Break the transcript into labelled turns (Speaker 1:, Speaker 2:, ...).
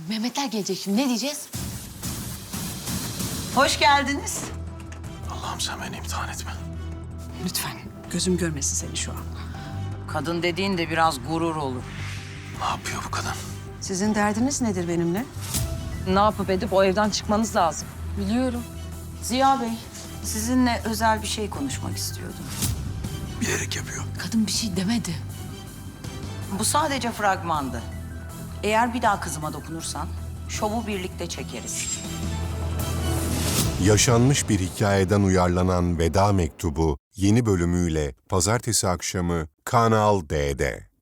Speaker 1: Mehmetler gelecek şimdi. Ne diyeceğiz?
Speaker 2: Hoş geldiniz.
Speaker 3: Allah'ım sen beni imtihan etme.
Speaker 4: Lütfen gözüm görmesin seni şu an.
Speaker 2: Kadın dediğin de biraz gurur olur.
Speaker 3: Ne yapıyor bu kadın?
Speaker 4: Sizin derdiniz nedir benimle?
Speaker 5: Ne yapıp edip o evden çıkmanız lazım.
Speaker 1: Biliyorum.
Speaker 2: Ziya Bey, sizinle özel bir şey konuşmak istiyordum.
Speaker 3: Bilerek yapıyor.
Speaker 1: Kadın bir şey demedi.
Speaker 2: Bu sadece fragmandı. Eğer bir daha kızıma dokunursan, şovu birlikte çekeriz.
Speaker 6: Yaşanmış bir hikayeden uyarlanan Veda Mektubu yeni bölümüyle pazartesi akşamı Kanal D'de.